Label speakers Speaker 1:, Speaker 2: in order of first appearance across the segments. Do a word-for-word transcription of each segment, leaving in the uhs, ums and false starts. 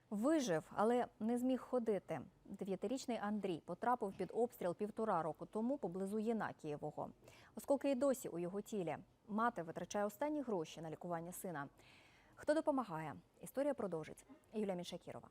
Speaker 1: Вижив, але не зміг ходити. Дев'ятирічний Андрій потрапив під обстріл півтора року тому поблизу Єнакієвого. Оскільки і досі у його тілі. Мати витрачає останні гроші на лікування сина. Хто допомагає? Історія продовжить. Юлія Міншакірова.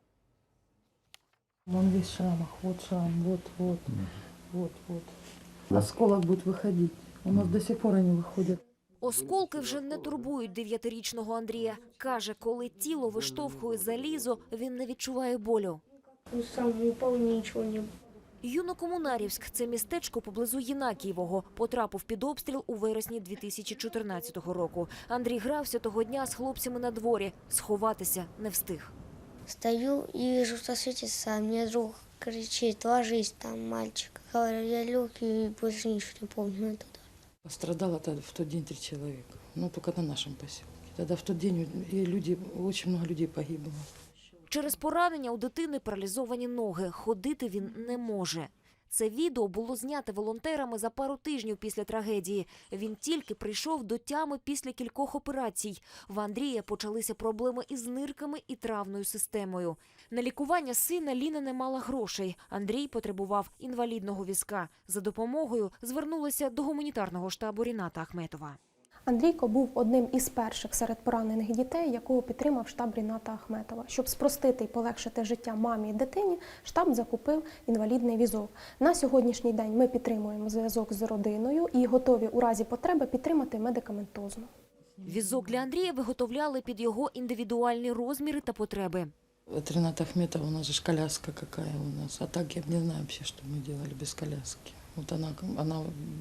Speaker 2: Он весь в шрамах, вот шрам, вот, вот, вот, вот. Осколок будет выходить. У нас до сих пор они выходят.
Speaker 3: Осколки вже не турбують дев'ятирічного Андрія. Каже, коли тіло виштовхує залізо, він не відчуває болю.
Speaker 4: Сам упав, нічого не було.
Speaker 3: Юнокомунарівськ – це містечко поблизу Єнакієвого. Потрапив під обстріл у вересні дві тисячі чотирнадцятого року. Андрій грався того дня з хлопцями на дворі. Сховатися не встиг.
Speaker 4: Стою і вижу, що світиться, а мені друг кричить: ложись там, мальчик. Говорю, я лег і більше нічого не пам'ятаю.
Speaker 2: Пострадало тогда в тот день три человека, ну только на нашем поселке. Тогда в тот день и люди, очень много людей погибло.
Speaker 3: Через поранення у дитини паралізовані ноги. Ходити він не може. Це відео було знято волонтерами за пару тижнів після трагедії. Він тільки прийшов до тями після кількох операцій. В Андрія почалися проблеми із нирками і травною системою. На лікування сина Ліна не мала грошей. Андрій потребував інвалідного візка. За допомогою звернулася до гуманітарного штабу Ріната Ахметова.
Speaker 5: Андрійко був одним із перших серед поранених дітей, якого підтримав штаб Ріната Ахметова. Щоб спростити і полегшити життя мамі і дитині, штаб закупив інвалідний візок. На сьогоднішній день ми підтримуємо зв'язок з родиною і готові у разі потреби підтримати медикаментозно.
Speaker 3: Візок для Андрія виготовляли під його індивідуальні розміри та потреби.
Speaker 2: От Рената Ахметова, у нас же коляска какая у нас. А так я не знаю вообще, что мы делали без коляски. Вот она, она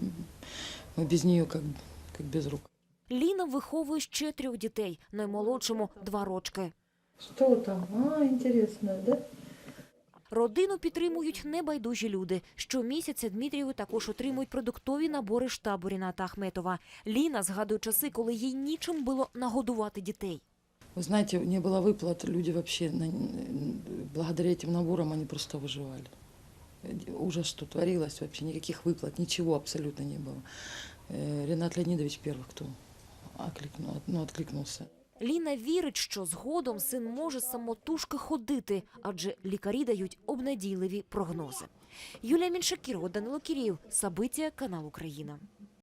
Speaker 2: мы без нее как, как без рук.
Speaker 3: Ліна виховує ще трьох дітей, наймолодшому – два рочки.
Speaker 2: Что там? А, интересно, да?
Speaker 3: Родину підтримують небайдужі люди. Щомісяця Дмитрію також отримують продуктові набори штабу Ріната Ахметова. Ліна згадує часи, коли їй нічим було нагодувати дітей.
Speaker 2: Вы знаете, не было выплат, люди вообще, благодаря этим наборам, они просто выживали. Ужас, что творилось вообще, никаких выплат, ничего абсолютно не было. Ренат Леонидович первый, кто откликнул, ну, откликнулся.
Speaker 3: Ліна вірить, що згодом син може самотужки ходити, адже лікарі дають обнадійливі прогнози. Юлія Міншакірова, Данило Кірєєв, Сабиття, канал Україна.